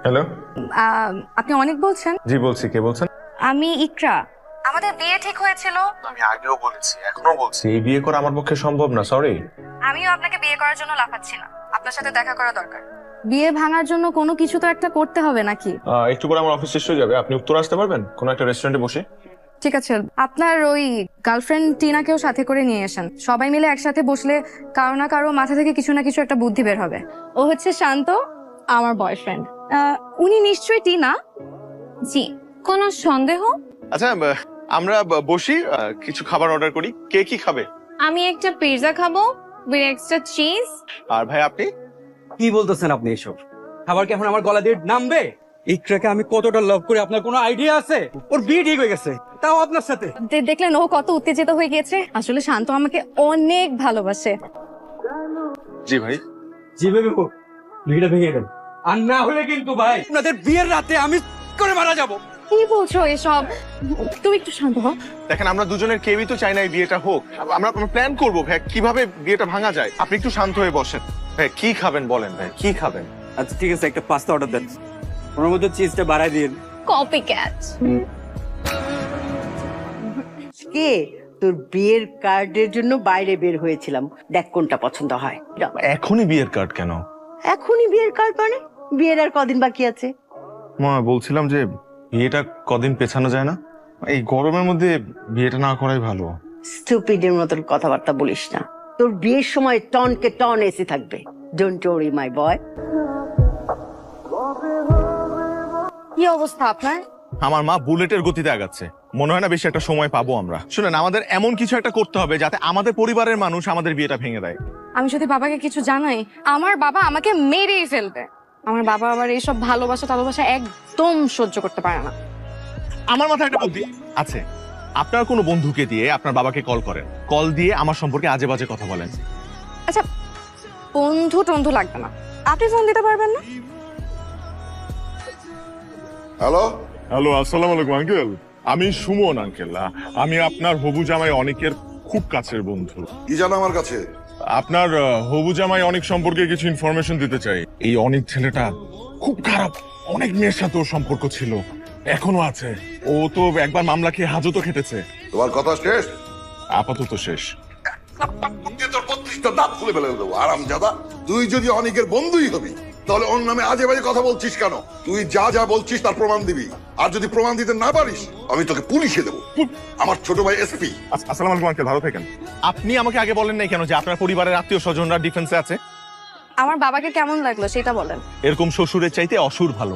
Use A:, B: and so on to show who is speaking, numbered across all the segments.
A: Hello.
B: আপনি অনেক বলছেন?
A: জি বলছি, কে বলছেন?
B: আমি ইকরা। আমাদের বিয়ে ঠিক হয়েছিল।
A: আমি আগেও বলেছি, এখনো বলছি, এই বিয়ে করা আমার পক্ষে সম্ভব না, সরি।
B: আমিও আপনাকে বিয়ে করার জন্য লাফাচ্ছি না, আপনার সাথে দেখা করা দরকার। বিয়ে ভাঙার জন্য কোনো কিছু তো একটা করতে হবে নাকি?
A: একটু করে আমার অফিস শেষ হয়ে যাবে, আপনি উত্তর আসতে পারবেন কোনো একটা রেস্টুরেন্টে বসে?
B: ঠিক আছে, আপনার ওই গার্লফ্রেন্ড টিনাকেও সাথে করে নিয়ে আসেন। সবাই মিলে একসাথে বসলে কারো না কারো মাথা থেকে কিছু না কিছু একটা বুদ্ধি বের হবে। ও হচ্ছে শান্ত, আমার বয়ফ্রেন্ড। উনি নিশ্চয়ই টিনা। জি, কোনো সন্দেহ?
C: আচ্ছা, আমরা বসি, কিছু খাবার অর্ডার করি। কে কি খাবে?
B: আমি একটা পিৎজা খাবো উইথ এক্সট্রা চিজ।
C: আর ভাই আপনি?
D: কি বলতেছেন আপনি এসব? খাবার কি এখন আমার গলা দিয়ে নামবে? ইকরাকে আমি কতটা লাভ করি আপনার কোনো আইডিয়া আছে? ওর বিয়ে ঠিক হয়ে গেছে, তাও আপনার সাথে।
B: দেখলেন ও কত উত্তেজিত হয়ে গিয়েছে। আসলে শান্ত আমাকে অনেক ভালোবাসে।
C: জি ভাই।
D: জি বেবি, বিয়েটা ভেঙে দেন, আর না হলে কিন্তু ভাই আপনাদের বিয়ের রাতে আমি করে মারা যাব।
B: কি বলছো এসব? তুমি একটু শান্ত হও।
C: দেখেন, আমরা দুজনের কেউই তো চাই না এই বিয়েটা হোক। আমরা প্ল্যান করবো ভাই কিভাবে বিয়েটা ভাঙা যায়। আপনি একটু শান্ত হয়ে বসেন। ভাই কি খাবেন বলেন, ভাই কি খাবেন?
D: আচ্ছা ঠিক আছে, একটা পাস্তা অর্ডার দেন, ওর মধ্যে চিজটা বাড়াই দিন।
B: Copy cat.
E: কে তোর বিয়ের কার্ডের জন্য বাইরে বের হয়েছিলাম, দেখ কোনটা পছন্দ হয়।
A: এখনই বিয়ের কার্ড কেন?
E: এখনই বিয়ের কার্ড মানে? বিয়ের আর কদিন বাকি আছে?
A: মা বলছিলাম যে বিয়েটা কদিন পেছানো যায় না? এই গরমের মধ্যে বিয়েটা না করাই ভালো।
E: স্টুপিডের মতন কথাবার্তা বলিস না। তোর বিয়ের সময় টনকে টন এসি থাকবে। Don't worry my boy.
B: কি অবস্থা আপনার?
C: আমার মা বুলেটের গতিতে আগাচ্ছে, মনে হয় না বেশি একটা সময় পাবো আমরা। শুনেন, আমাদের এমন কিছু একটা করতে হবে যাতে আমাদের পরিবারের মানুষ আমাদের বিয়েটা ভেঙে দেয়।
B: আমি যদি বাবাকে কিছু জানাই, আমার বাবা আমাকে মেরেই ফেলবে। আমার বাবা আবার এইসব ভালোবাসা একদম সহ্য করতে পারে না।
C: আমার মাথায় একটা বুদ্ধি আছে। আপনার কোনো বন্ধুকে দিয়ে আপনার বাবাকে কল করেন, কল দিয়ে আমার সম্পর্কে আজে বাজে কথা বলেন।
B: আচ্ছা, বন্ধু টন্ধু লাগবে না, আপনি ফোন দিতে পারবেন না?
F: হ্যালো
G: হ্যালো, আসসালামু আলাইকুম আঙ্কেল। আমি সুমন আঙ্কেল। আমি আপনার হবু জামাই অনেকের খুব কাছের বন্ধু।
F: কি জানো আমার কাছে?
G: আপনার হবু জামাই অনেক সম্পর্কে কিছু ইনফরমেশন দিতে চাই। এই অনেক ছেলেটা খুব খারাপ, অনেক মেয়ের সাথে ওর সম্পর্ক ছিল, এখনো আছে। ও তো একবার মামলা খেয়ে হাজতও খেটেছে।
F: তোমার কথা শেষ?
G: আপাতত শেষ।
F: তোর 32টা দাঁত খুলে ফেলে দেবো আরামজাদা। তুই যদি অনেকের বন্ধুই হবি তাহলে ওর নামে আজে বাজে কথা বলছিস কেন? তুই যা যা বলছিস তার প্রমাণ দিবি, আর যদি প্রমাণ দিতে না পারিস আমি তোকে পুলিশে দেবো। আমার ছোট ভাই এসপি।
G: আসসালামু আলাইকুম আঙ্কেল, ভালো থাকেন।
C: আপনি আমাকে আগে বলেন নাই কেন যে আপনার পরিবারের আত্মীয় স্বজনরা ডিফেন্সে আছে?
B: আমার বাবাকে কেমন লাগলো সেটা বলেন।
C: এরকম শ্বশুরের চাইতে অসুর ভালো।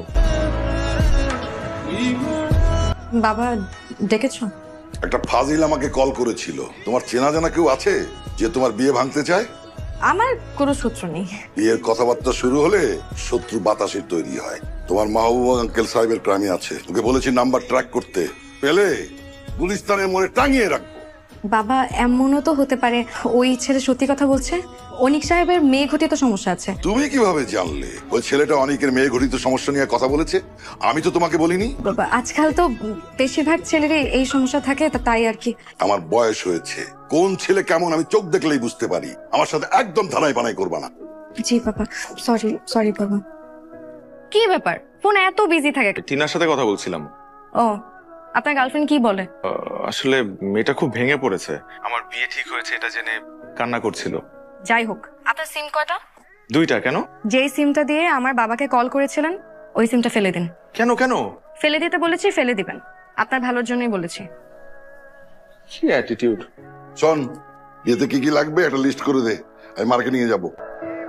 B: বাবা ডেকেছো?
F: একটা ফাজিল আমাকে কল করেছিল। তোমার চেনা জানা কেউ আছে যে তোমার বিয়ে ভাঙতে চায়?
B: আমার কোনো সূত্র নেই।
F: বিয়ের কথাবার্তা শুরু হলে শত্রু বাতাসের তৈরি হয়। তোমার মাহবুব আঙ্কেল সাহেবের ক্রামে আছে, ওকে বলেছি নাম্বার ট্র্যাক করতে, পেলে গুলিস্তানের মোড়ে টাঙিয়ে রাখবো।
B: বাবা, এমনও তো হতে পারে ওই ছেলে সত্যি কথা বলছে। অনিক সাহেবের মেয়ে ঘটিত সমস্যা আছে।
F: তুমি কিভাবে জানলে ওই ছেলেটা অনেকের মেয়ে ঘটিত সমস্যা নিয়ে কথা বলেছে? আমি তো তোমাকে বলিনি।
B: বাবা, আজকাল তো বেশিরভাগ ছেলেরই এই সমস্যা থাকে, তাই আর কি।
F: আমার বয়স হয়েছে, কোন ছেলে কেমন আমি চোখ দেখলেই বুঝতে পারি। আমার সাথে একদম ধানাই বানাই করবা না।
B: জি বাবা, সরি বাবা। কি ব্যাপার, ফোন এত বিজি থাকে?
C: টিনার সাথে কথা বলছিলাম।
B: ও, আপনার গার্লফ্রেন্ড কি বলে?
C: আসলে মেয়েটা খুব ভেঙে পড়েছে। আমার বিয়ে ঠিক হয়েছে এটা জেনে কান্না করছিল।
B: যাই হোক, আপনার সিম কয়টা?
C: 2টা। কেন?
B: যেই সিমটা দিয়ে আমার বাবাকে কল করেছিলেন ওই সিমটা ফেলে দিন।
C: কেন কেন?
B: ফেলে দিতে বলেছি, ফেলে দিবেন। আপনার ভালোর জন্যই বলেছি।
C: কি অ্যাটিটিউড!
F: শোন, এতে কি কি লাগবে একটা লিস্ট করে দে, আমি মার্কেটিং এ যাবো।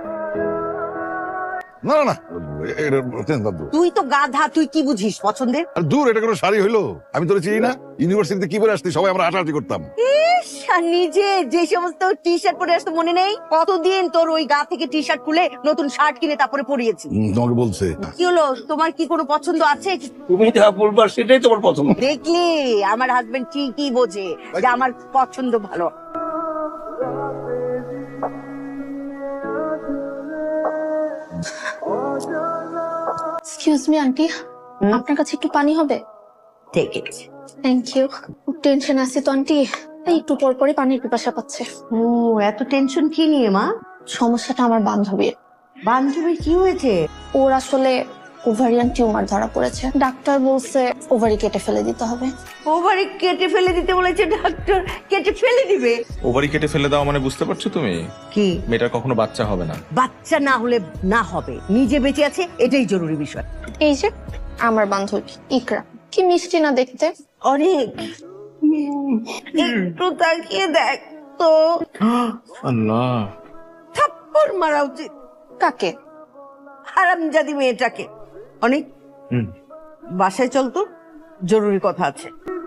F: না না না,
E: তুই তো গাধা, তুই কি বুঝিস পছন্দের?
F: দূর, এটা কোনো শাড়ি হইলো? আমি তোর চিনি না? ইউনিভার্সিটিতে কি পরে আসতি, সবাই আমরা হাঁটাহাঁটি করতাম।
E: ইস, আর নিজে যে সমস্ত টি শার্ট পরে আসতো মনে নেই? কতদিন তোর ওই গা থেকে টি শার্ট খুলে নতুন শার্ট কিনে তারপরে পরিয়েছি।
F: তোমাকে বলছে
E: কি হলো, তোমার কি কোনো পছন্দ আছে?
D: তুমি যা বলবা সেটাই তোমার পছন্দ।
E: দেখলি আমার হাজবেন্ড ঠিকই বোঝে যে আমার পছন্দ ভালো।
H: এক্সকিউজ মি আন্টি, আপনার কাছে একটু পানি হবে?
E: Take it.
H: Thank you. খুব টেনশন আছে তো আন্টি, এই একটু পর পরই পানির পিপাসা পাচ্ছে।
E: ও, এত টেনশন কি নিয়ে মা?
H: সমস্যাটা আমার বান্ধবীর।
E: বান্ধবীর কি হয়েছে?
H: ওর আসলে ওভারিয়ান টিউমার ধরা পড়েছে, ডাক্তার বলছে ওভারি কেটে ফেলে দিতে হবে।
E: ওভারি কেটে ফেলে দিতে বলেছে ডাক্তার, কেটে ফেলে দিবে?
A: ওভারি কেটে ফেলে দাও মানে বুঝতে পারছো তুমি?
E: কি
A: মেয়েটার কখনো বাচ্চা হবে না।
E: বাচ্চা না হলে না হবে, নিজে বেঁচে আছে এটাই জরুরি বিষয়।
H: এই যে আমার বান্ধবী ইকরা, কি মিষ্টি না দেখতে।
E: অনেক একটু তাকিয়ে দেখ তো।
A: আল্লাহ,
E: থাপ্পড় মারা উচিত।
H: কাকে?
E: হারামজাদি মেয়েটাকে। অনেক বাসায় চল তো, জরুরি কথা আছে।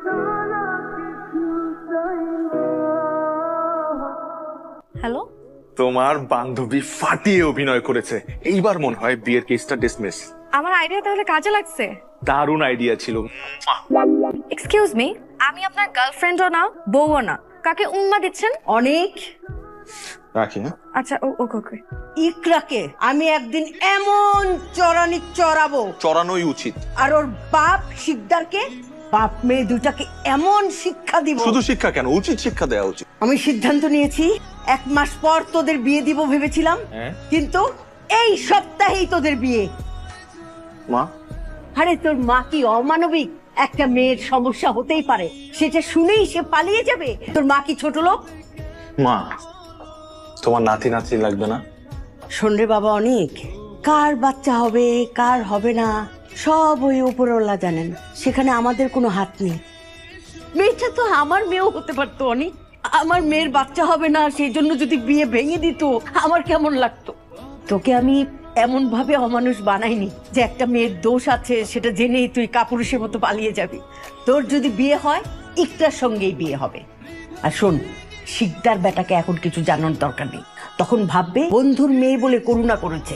B: হ্যালো,
C: তোমার বান্ধবী ফাটিয়ে অভিনয় করেছে, এইবার মনে হয় বিয়ের কেসটা ডিসমিস।
B: আমার আইডিয়া তাহলে কাজে লাগছে।
C: দারুণ আইডিয়া ছিল।
B: এক্সকিউজ মি, আমি আপনার গার্লফ্রেন্ডও না, বউও না, কাকে উম্মা দিচ্ছেন?
E: অনেক
A: রাখি হ্যাঁ।
B: আচ্ছা, ওকে ওকে।
E: ইকরাকে আমি একদিন এমন চড়ানি চড়াবো,
C: চড়ানোই উচিত।
E: আর ওর বাপ শিকদারকে, বাপ মেয়ে দুটাকে এমন শিক্ষা দিব।
C: শুধু শিক্ষা কেন, উচিত শিক্ষা দেওয়া উচিত।
E: আমি সিদ্ধান্ত নিয়েছি, 1 মাস পর তোদের বিয়ে দিব ভেবেছিলাম, কিন্তু এই সপ্তাহেই তোদের বিয়ে।
C: মা,
E: আরে তোর মা কি অমানবিক? একটা মেয়ের সমস্যা হতেই পারে, সেটা শুনেই সে পালিয়ে যাবে? তোর মা কি ছোট লোক?
C: মা তোমার নাতি নাতি লাগবে না?
E: শোন রে বাবা, অনেক কার বাচ্চা হবে কার হবে না সব ওই উপরওয়ালা জানেন, সেখানে আমাদের কোনো হাত নেই। মেয়েটা তো আমার মেয়েও হতে পারতো অনেক। আমার মেয়ের বাচ্চা হবে না সেই জন্য যদি বিয়ে ভেঙে দিত আমার কেমন লাগতো? তোকে আমি এমন ভাবে অমানুষ বানাইনি যে একটা মেয়ের দোষ আছে সেটা জেনেই তুই কাপুরুষের মতো পালিয়ে যাবি। তোর যদি বিয়ে হয় ইকরার সঙ্গেই বিয়ে হবে। আর শোন, শিকদার বেটাকে এখন কিছু জানার দরকার নেই, তখন ভাববে বন্ধুর মেয়ে বলে করুণা করেছে।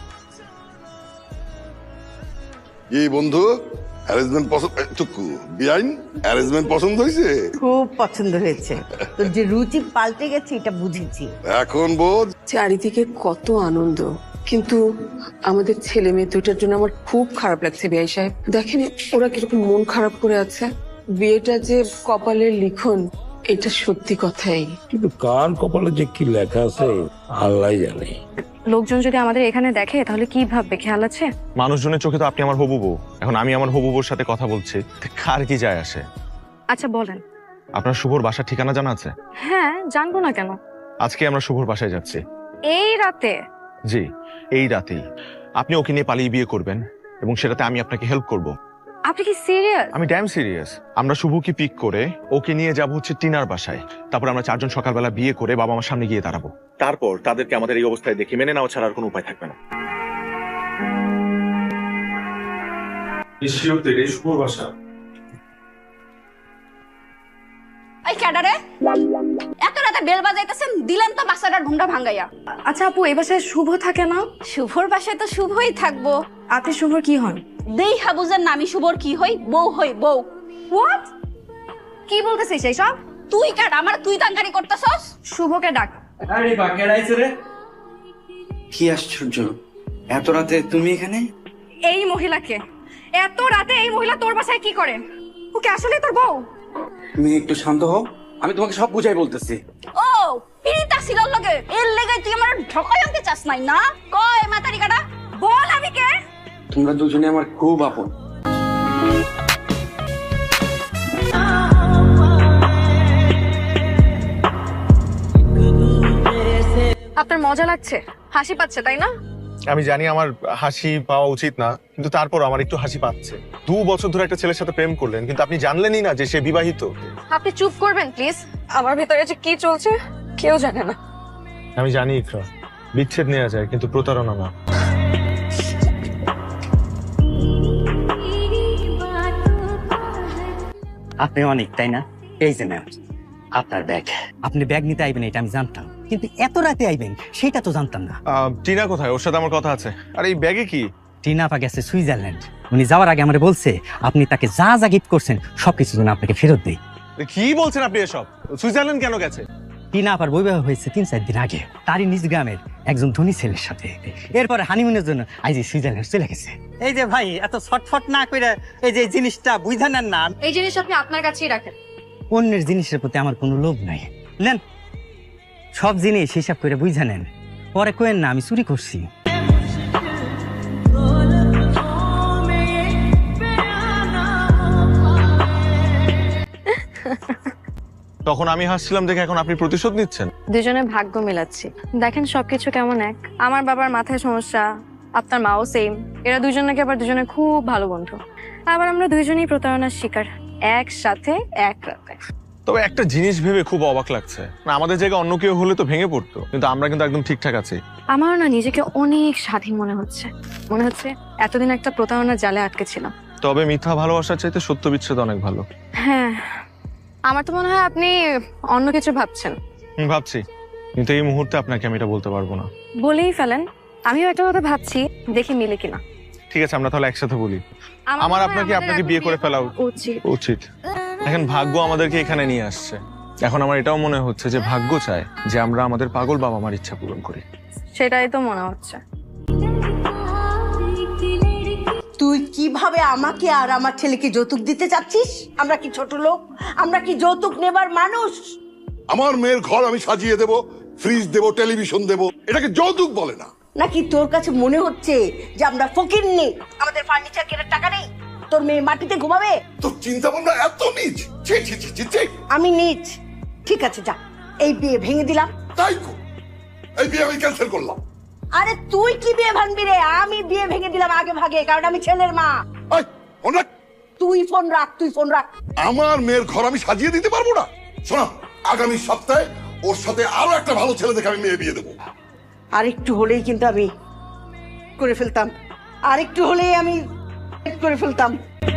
F: এই বন্ধু অ্যারেঞ্জমেন্ট পছন্দ, টুকু বিআইন অ্যারেঞ্জমেন্ট পছন্দ হয়েছে?
E: খুব পছন্দ হয়েছে, তোর যে রুচি পাল্টে গেছে এটা বুঝেছি।
F: এখন বোঝ।
I: চারিদিকে কত আনন্দ, কিন্তু আমাদের ছেলে মেয়ে দুটার জন্য আমার খুব খারাপ লাগছে। বিআই সাহেব দেখেন ওরা কিরকম মন খারাপ করে আছে। বিয়েটা যে কপালের লিখন, এটা সত্যি কথাই।
J: কিন্তু কার কপালে যে কি লেখা আছে আল্লাহ জানে।
B: লোকজন যদি আমাদের এখানে দেখে তাহলে কি ভাববে, খেয়াল আছে?
A: মানুষজনের চোখে তো আপনি আমার হবু বউ, এখন আমি আমার হবু বউর সাথে কথা বলছি, কার কি যায় আসে?
B: আচ্ছা বলেন।
A: আপনার শুভর বাসার ঠিকানা জানা আছে?
B: হ্যাঁ, জানবো না কেন?
A: আজকে আমরা শুভর বাসায় যাচ্ছি।
B: এই রাতে?
A: জি, এই রাতেই। আপনি ওকে নিয়ে পালিয়ে বিয়ে করবেন এবং সেটাতে আমি আপনাকে হেল্প করব।
B: আপনি কি সিরিয়াস?
A: আমি ড্যাম সিরিয়াস। আমরা শুভকে পিক করে ওকে নিয়ে যাব হচ্ছে টিনার বাসায়, তারপর আমরা 4 জন সকালবেলা বিয়ে করে বাবা আমার সামনে গিয়ে দাঁড়াবো। তারপর তাদেরকে আমাদের এই অবস্থায় দেখে মেনে নেওয়া ছাড়া আর কোনো উপায় থাকবে না। শুভর বাসা।
K: এই ক্যাডারে এত রাতে বেল বাজাইতেছেন, দিলেন তো বাসাটার ঘুমটা ভাঙাইয়া।
B: আচ্ছা আপু, এই বাসায় শুভ থাকে না?
K: শুভর বাসায় তো শুভই থাকবো।
B: আপনি শুভর কি হন?
K: দেই হাবুজের নামি শুভর কি হই? বউ হই, বউ।
B: হোয়াট? কি বলতেছিস এইসব?
K: তুই কাট আমার তুই তাঙ্গারি করতেছস।
B: শুভকে ডাক।
D: আরে বা কেডাইছে রে? কি আশ্চর্য, এত রাতে তুমি এখানে?
B: এই মহিলাকে, এত রাতে এই মহিলা তোর বাসায় কি করে? ওকে আসলে তোর বউ?
D: তুমি একটু শান্ত হও, আমি তোমাকে সব বুঝাই বলতেছি।
K: ও পিরিতা সিলার লগে এর লেগে তুই আমার ঠকাই আনতে চাস নাই না? কয় মাতারি কাটা বল আমি কে?
D: তোমরা দুজনে আমার খুব আপন।
B: আপনার মজা লাগছে, হাসি পাচ্ছে তাই না?
A: আমি জানি আমার হাসি পাওয়া উচিত না, কিন্তু তারপর আমার একটু হাসি পাচ্ছে। 2 বছর ধরে একটা ছেলের সাথে প্রেম করলেন, কিন্তু আপনি জানলেনই না যে সে বিবাহিত।
B: আপনি চুপ করবেন প্লিজ? আমার ভেতরে যে কি চলছে কেউ জানে না।
A: আমি জানি ইকরা, বিচ্ছেদ নেওয়া যায় কিন্তু প্রতারণা না।
D: আপনি অনেক, তাই না? এই যে ম্যাম আপনার ব্যাগ। আপনি ব্যাগ নিতে আইবেন এটা আমি জানতাম, কিন্তু এত রাতে আইবেন সেটা তো জানতাম না।
A: টিনা কোথায়? ওর সাথে আমার কথা আছে। আর এই ব্যাগে কি?
D: টিনা আপা গেছে সুইজারল্যান্ড। উনি যাওয়ার আগে আমারে বলছে আপনি তাকে যা যা গিফট করছেন সবকিছু যেন আপনাকে ফেরত দেই।
A: কি বলছেন আপনি এসব? সুইজারল্যান্ড কেন গেছে?
D: টিনা আপার বৈবাহ হয়েছে 3-4 দিন আগে, তারই নিজ গ্রামের একজন ধনী ছেলের সাথে। এরপরে হানিমুনের জন্য আজ সুইজারল্যান্ড চলে গেছে। এই যে ভাই এত ছটফট না করে এই যে জিনিসটা বুঝা নেন না।
B: এই জিনিস আপনি আপনার কাছেই রাখেন।
D: অন্যের জিনিসের প্রতি আমার কোনো লোভ নাই। নেন, সব জিনিস হিসাব করে বুঝা নেন, পরে কোয়েন না আমি চুরি করছি।
A: তখন আমি হাসছিলাম দেখে এখন আপনি প্রতিশোধ নিচ্ছেন।
B: দুজনে ভাগ্য মিলাচ্ছি। দেখেন সবকিছু কেমন এক। আমার বাবার মাথায় সমস্যা, আপনার মাও সেম। এরা দুজন নাকি আবার দুজনে খুব ভালো বন্ধু। আবার আমরা দুইজনেই প্রতারণার শিকার, একসাথে এক রাতে।
A: তবে একটা জিনিস ভেবে খুব অবাক লাগছে, না আমাদের জায়গায় অন্য কেউ হলে তো ভেঙে পড়তো, কিন্তু আমরা কিন্তু একদম ঠিকঠাক আছি।
B: আমার না নিজেকে অনেক স্বাধীন মনে হচ্ছে। মনে হচ্ছে এতদিন একটা প্রতারণার জালে আটকে ছিলাম।
A: তবে মিথ্যা ভালোবাসার চাইতে সত্য বিচ্ছেদ অনেক ভালো।
B: হ্যাঁ, আমার তো মনে হয় আপনি অন্য কিছু ভাবছেন।
A: ভাবছি, কিন্তু এই মুহূর্তে আপনাকে আমি এটা বলতে পারবো না।
B: বলেই ফেলেন। আমিও একটা কথা ভাবছি, দেখি মিলে কিনা।
A: ঠিক আছে, আমরা তাহলে একসাথে বলি। আমার
B: মনে হয়
A: আপনাকে
B: আমাদের
A: আপনাকে
B: এখন
A: বিয়ে করে ফেলা
B: উচিত।
A: উচিত। এখন ভাগ্য আমাদেরকে এখানে নিয়ে আসছে। এখন আমার এটাও মনে হচ্ছে যে ভাগ্য চায় যে আমরা আমাদের পাগল বাবা মার ইচ্ছা পূরণ করি।
B: সেটাই তো মনে হচ্ছে।
E: তুই কিভাবে আমাকে আর আমার ছেলেকে যৌতুক দিতে চাচ্ছিস? আমরা কি ছোট লোক? আমরা কি যৌতুক নেবার মানুষ?
F: আমার মেয়ের ঘর আমি সাজিয়ে দেব, ফ্রিজ দেব, টেলিভিশন দেব, এটাকে যৌতুক বলে না।
E: নাকি তোর কাছে মনে হচ্ছে যে আমরা ফকির নেই, আমাদের ফার্নিচার কেনার টাকা নেই? তোর মেয়ে মাটিতে ঘুমাবে?
F: তোর চিন্তা ভাবনা এত নিচ। ছি ছি ছি ছি ছি।
E: আমি নিচ। ঠিক আছে, যা, এই বিয়ে ভেঙে দিলাম।
F: তাই কর। এই বিয়ে আমি ক্যান্সেল করলাম।
E: আরে তুই কি বিয়ে ভাঙবি রে? আমি বিয়ে ভেঙে দিলাম আগে ভাগে, কারণ আমি ছেলের মা।
F: এই, ফোন রাখ।
E: তুই ফোন রাখ, তুই ফোন রাখ।
F: আমার মেয়ের ঘর আমি সাজিয়ে দিতে পারবো না? শোনা, আগামী সপ্তাহে ওর সাথে আরো একটা ভালো ছেলে দেখে আমি মেয়ে বিয়ে দেবো।
E: আর একটু হলেই কিন্তু আমি করে ফেলতাম। আর একটু হলেই আমি করে ফেলতাম।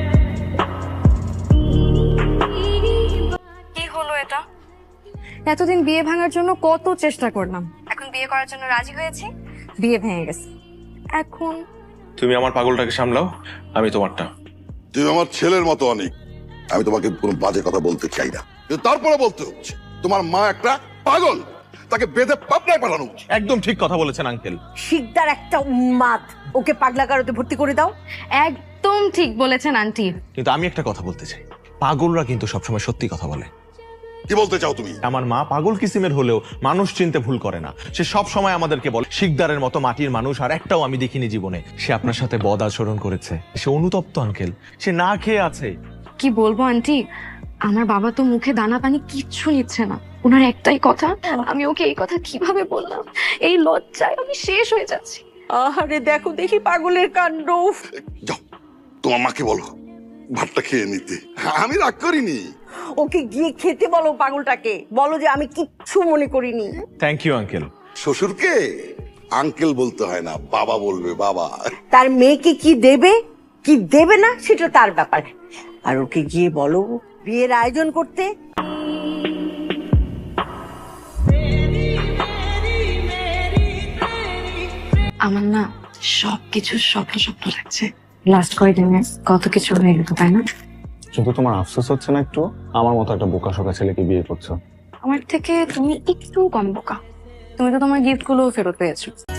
B: কি হলো এটা? এতদিন বিয়ে ভাঙার জন্য কত চেষ্টা করলাম, এখন বিয়ে করার জন্য রাজি হয়েছি, বিয়ে ভেঙে গেছে। এখন
A: তুমি আমার পাগলটাকে সামলাও, আমি তোমারটা।
F: তুই আমার ছেলের মতো অনেক। আমি তোমাকে কোনো বাজে কথা বলতে চাই না, কিন্তু তারপরে বলতে হচ্ছে তোমার মা একটা পাগল, তাকে বেঁধে পাবনায় পাঠানো উচিত।
A: একদম ঠিক কথা বলেছেন আঙ্কেল।
E: শিকদার একটা উন্মাদ, ওকে পাগলা কারোতে ভর্তি করে দাও।
B: একদম ঠিক বলেছেন আন্টি।
A: কিন্তু আমি একটা কথা বলতে চাই, পাগলরা কিন্তু সবসময় সত্যি কথা বলে।
F: কি বলতে চাও তুমি?
A: আমার মা পাগল কিসিমের হলেও মানুষ চিনতে ভুল করে না। সে সব সময় আমাদেরকে বলে শিকদারের মতো মাটির মানুষ আর একটাও আমি দেখিনি জীবনে। সে আপনার সাথে বদ আচরণ করেছে, সে অনুতপ্ত আঙ্কেল, সে না খেয়ে আছে।
B: কি বলবো আন্টি, আমার বাবা তো মুখে দানা পানি কিচ্ছু নিচ্ছে না। ওনার একটাই কথা, আমি ওকে এই কথা কিভাবে বললাম, এই লজ্জায় আমি শেষ হয়ে যাচ্ছি।
E: আরে দেখো দেখি পাগলের কাণ্ড।
F: যাও, তোমার মাকে বলো ভাতটা খেয়ে নিতে। আমি রাগ করিনি।
E: ওকে গিয়ে খেতে বলো, পাগলটাকে বলো যে আমি কিচ্ছু মনে করিনি।
A: Thank you uncle.
F: শ্বশুরকে আঙ্কেল বলতে হয় না, বাবা বলবে, বাবা।
E: তার মেয়েকে কি দেবে কি দেবে না সেটা তার ব্যাপার। আর ওকে গিয়ে বলো বিয়ের আয়োজন করতে।
B: আমার না সবকিছু স্বপ্ন স্বপ্ন লাগছে। লাস্ট কয়েকদিনে কত কিছু হয়ে গেল, তাই না?
A: কিন্তু তোমার আফসোস হচ্ছে না একটু? আমার মতো একটা বোকা শোকা ছেলেকে বিয়ে করছো।
B: আমার থেকে তুমি একটু কম বোকা। তুমি তো তোমার গিফট গুলো ফেরত পেয়েছো।